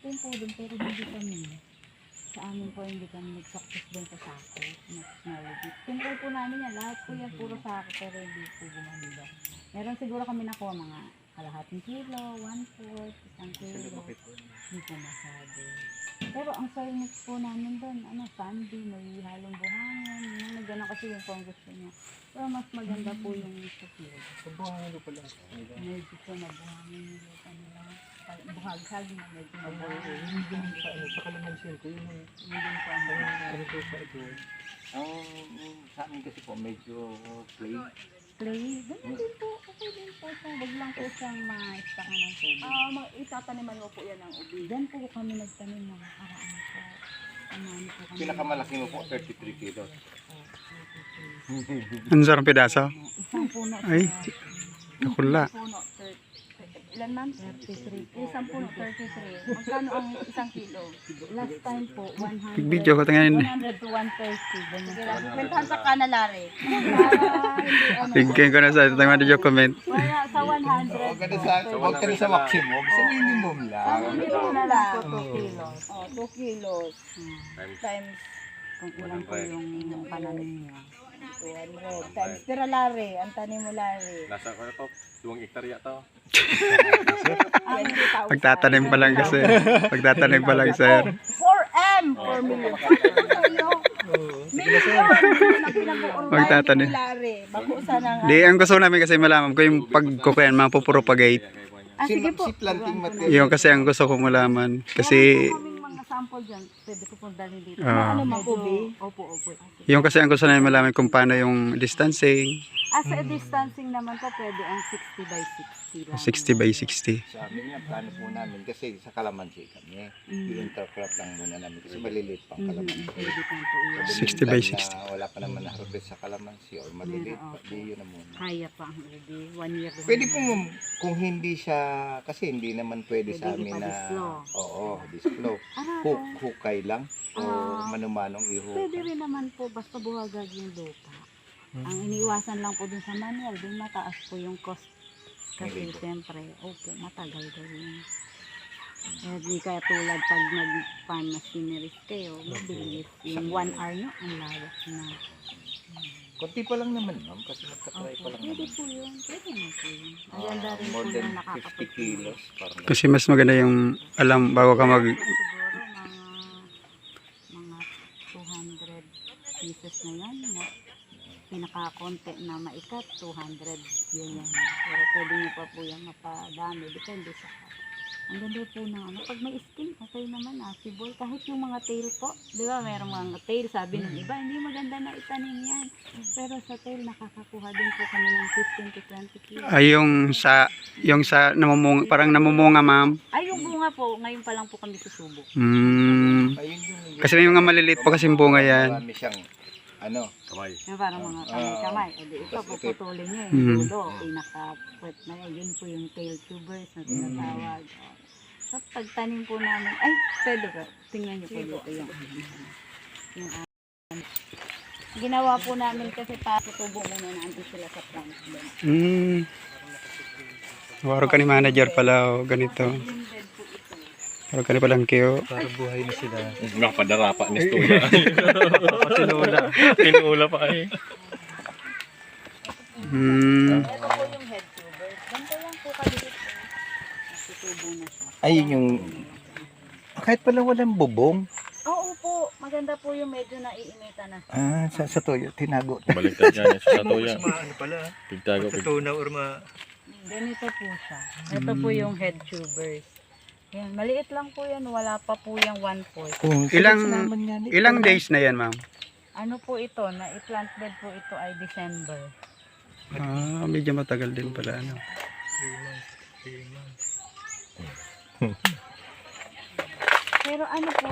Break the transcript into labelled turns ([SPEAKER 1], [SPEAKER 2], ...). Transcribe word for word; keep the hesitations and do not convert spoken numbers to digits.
[SPEAKER 1] din po doon, pero hindi kami. Sa amin po, hindi kami nag-success din sa sako. Technology. Tinry po namin yan. Lahat po yan, puro sako, pero hindi po gumanda. Meron siguro kami nakuha mga kalahating kilo, one-fourth, isang kilo. Hindi po masabi. Pero ang soil mix po namin doon, ano, sandy, may halong buhangin. Yung nagano kasi yung kung gusto niya. Pero mas maganda po yung sa field.
[SPEAKER 2] Sa buhangin ko pala.
[SPEAKER 1] Medyo po na buhangin yung lupa nila. Buhaghag na medyo na
[SPEAKER 2] Ang
[SPEAKER 1] buhangin.
[SPEAKER 2] yung din sa ano, sa kalamansin ko, yung
[SPEAKER 1] Yung din po ang
[SPEAKER 2] ano ko pa ito.
[SPEAKER 3] Ang sa amin kasi po medyo clay.
[SPEAKER 1] play. Ganun din po. Okay din po siya. Wag lang po siyang ma-stakan ng tubig.
[SPEAKER 4] Ah, uh, itataniman mo po yan ng ubi.
[SPEAKER 1] Diyan po kami nagtanim ng nakaraan po. Amani po kami.
[SPEAKER 3] Pinakamalaki mo po, thirty-three kilos.
[SPEAKER 5] Ang sarang pedaso.
[SPEAKER 1] Isang puno.
[SPEAKER 5] Ay,
[SPEAKER 1] siya.
[SPEAKER 5] nakula.
[SPEAKER 4] Puno, thirty. Ilan man?
[SPEAKER 1] thirty-three po.
[SPEAKER 4] Isang puno, thirty-three. Magkano ang isang kilo?
[SPEAKER 1] Last time po, one hundred.
[SPEAKER 5] Pig-video ko tingnan.
[SPEAKER 1] one hundred to one thirty. Ganyan
[SPEAKER 4] Sige
[SPEAKER 1] po.
[SPEAKER 4] lang, kwentahan sa kanalari.
[SPEAKER 1] Para hindi ano.
[SPEAKER 5] Bigyan ko na sa ito. Tingnan yung comment.
[SPEAKER 1] Kaya sa one hundred.
[SPEAKER 3] Huwag ka na sa, huwag ka na sa maximum, sa minimum
[SPEAKER 1] Ang
[SPEAKER 3] lang.
[SPEAKER 1] minimum na lang po two kilos.
[SPEAKER 4] Oh, two kilos
[SPEAKER 1] Hmm.
[SPEAKER 4] times
[SPEAKER 1] Kung ilan po yung pananim niya.
[SPEAKER 4] two hundred. Times tira lari. Ang tanim mo lari.
[SPEAKER 6] Nasa ko na to, duwang hektarya to.
[SPEAKER 4] twenty thousand.
[SPEAKER 5] Pagtatanim pa lang kasi. Pagtatanim pa lang, sir.
[SPEAKER 4] four M! four million.
[SPEAKER 5] Magtatanim.
[SPEAKER 4] Bakusan ng
[SPEAKER 5] Di, ang gusto namin kasi malaman ko yung pagkukuyan, mapupropagate.
[SPEAKER 1] Ah,
[SPEAKER 3] Si,
[SPEAKER 1] sige po.
[SPEAKER 3] si planting material.
[SPEAKER 5] Yung kasi ang gusto ko malaman. Kasi,
[SPEAKER 1] Meron po kaming mga sample dyan. Pwede po pong dalhin dito.
[SPEAKER 5] Ah.
[SPEAKER 1] Ano,
[SPEAKER 4] makubi?
[SPEAKER 1] Opo, opo.
[SPEAKER 5] yung kasi ang gusto namin malaman kung paano yung distancing.
[SPEAKER 1] As a distancing naman po, pwede ang sixty by sixty lang.
[SPEAKER 5] sixty by sixty.
[SPEAKER 3] Sa amin nga, plano po namin kasi sa kalamansi kami.
[SPEAKER 1] Mm.
[SPEAKER 3] I-intercrop lang muna namin kasi maliliit pang
[SPEAKER 1] Mhm,
[SPEAKER 3] kalamansi.
[SPEAKER 1] pwede po po yun.
[SPEAKER 3] Sa
[SPEAKER 5] sixty by
[SPEAKER 3] meantime
[SPEAKER 5] sixty.
[SPEAKER 3] Na wala pa naman na-harvest sa kalamansi or maliliit pa, di yun na muna.
[SPEAKER 1] Kaya pa ang ready. One year lang.
[SPEAKER 3] Pwede po ma'am, kung hindi siya, kasi hindi naman pwede sa
[SPEAKER 1] Pwede
[SPEAKER 3] amin na,
[SPEAKER 1] ipa-disflow.
[SPEAKER 3] oo, disflow.
[SPEAKER 1] Ah,
[SPEAKER 3] Hook, hukay lang o
[SPEAKER 1] Ah.
[SPEAKER 3] manumanong
[SPEAKER 1] pwede
[SPEAKER 3] ihukay.
[SPEAKER 1] rin naman po, basta buhagag yung lupa. Ang iniiwasan lang po dun sa manual, dun mataas po yung cost. Kasi
[SPEAKER 3] Hindi po.
[SPEAKER 1] siyempre, opo, matagal gawin. Eh, di kaya tulad pag nag-farm machineries kayo, mabilis. Yung one hour nyo, ang lawak na.
[SPEAKER 3] Konti pa lang naman ma'am, kasi magka-try
[SPEAKER 1] Opo,
[SPEAKER 3] pa lang
[SPEAKER 1] pwede
[SPEAKER 3] naman.
[SPEAKER 1] po yun. Pwede na po yun. Ang
[SPEAKER 3] Ah,
[SPEAKER 1] ganda rin po
[SPEAKER 3] more than
[SPEAKER 1] yung
[SPEAKER 3] fifty
[SPEAKER 1] nakakapit.
[SPEAKER 3] kilos. Parang
[SPEAKER 5] Kasi mas maganda yung alam bago ka mag...
[SPEAKER 1] Siguro mga mga two hundred pieces na yan. Na, pinaka-konti na maikat, two hundred yun yan. Pero pwede nyo pa po yan mapadami. Depende sa ang ganda po ng ano. Pag may skin, okay naman ah. Sibol. Kahit yung mga tail po. Di ba, mayroong mga tail. Sabi ng iba, hindi maganda na itanim yan. Pero sa tail, nakakakuha din po kami ng fifteen to twenty kilos.
[SPEAKER 5] Ay, yung sa... Yung sa namumunga, parang namumunga, ma'am.
[SPEAKER 1] Ay, yung bunga po, ngayon pa lang po kami susubok.
[SPEAKER 5] Hmm.
[SPEAKER 3] ayun yung
[SPEAKER 5] Kasi may mga maliliit pa kasing bunga yan.
[SPEAKER 3] Marami siyang, ano,
[SPEAKER 6] Kamay.
[SPEAKER 1] Yung parang mga
[SPEAKER 3] Ah,
[SPEAKER 1] kamay-kamay. O di ito,
[SPEAKER 3] tas ito-
[SPEAKER 1] puputulin nyo
[SPEAKER 5] Mm.
[SPEAKER 1] yung dulo. Pinaka-pwet na yun. Yun po yung tail tubers na tinatawag. O. So, pagtanim po namin, ay, pwede ba? Tingnan nyo po dito yung, yung ah, ginawa po namin kasi para tutubo muna natin sila sa plant doon.
[SPEAKER 5] Hmm. Waro ka ni manager pala, o ganito.
[SPEAKER 1] Blended po ito.
[SPEAKER 5] Waro ka ni palang kiyo.
[SPEAKER 2] para buhay na sila.
[SPEAKER 6] Nakapadara pa ni Stuya. Tinula. Tinula pa eh.
[SPEAKER 5] Hmm.
[SPEAKER 1] Ito po yung head tubers. Ganito lang po kaliit po. Natutubo na siya.
[SPEAKER 3] ayun yung, kahit pala walang bubong,
[SPEAKER 1] Oo po, maganda po yung medyo naiinita na.
[SPEAKER 3] ah, sa, sa toyo, tinago.
[SPEAKER 6] Baliktad yan sa satuya.
[SPEAKER 2] Mas maano pala.
[SPEAKER 6] Pigtago, pig.
[SPEAKER 2] Pagkatunaw or ma...
[SPEAKER 1] Ganito po siya. Ito po yung head tubers. Yan, maliit lang po yan. Wala pa po yung one-fourth.
[SPEAKER 3] Kung
[SPEAKER 5] Ilang-
[SPEAKER 3] naman yan, eh,
[SPEAKER 5] Ilang
[SPEAKER 3] parang-
[SPEAKER 5] days na yan, ma'am?
[SPEAKER 1] Ano po ito? Na i-plant bed po ito ay December.
[SPEAKER 5] Ah, medyo matagal din pala, ano.
[SPEAKER 2] three months. three months.
[SPEAKER 1] Pero ano po,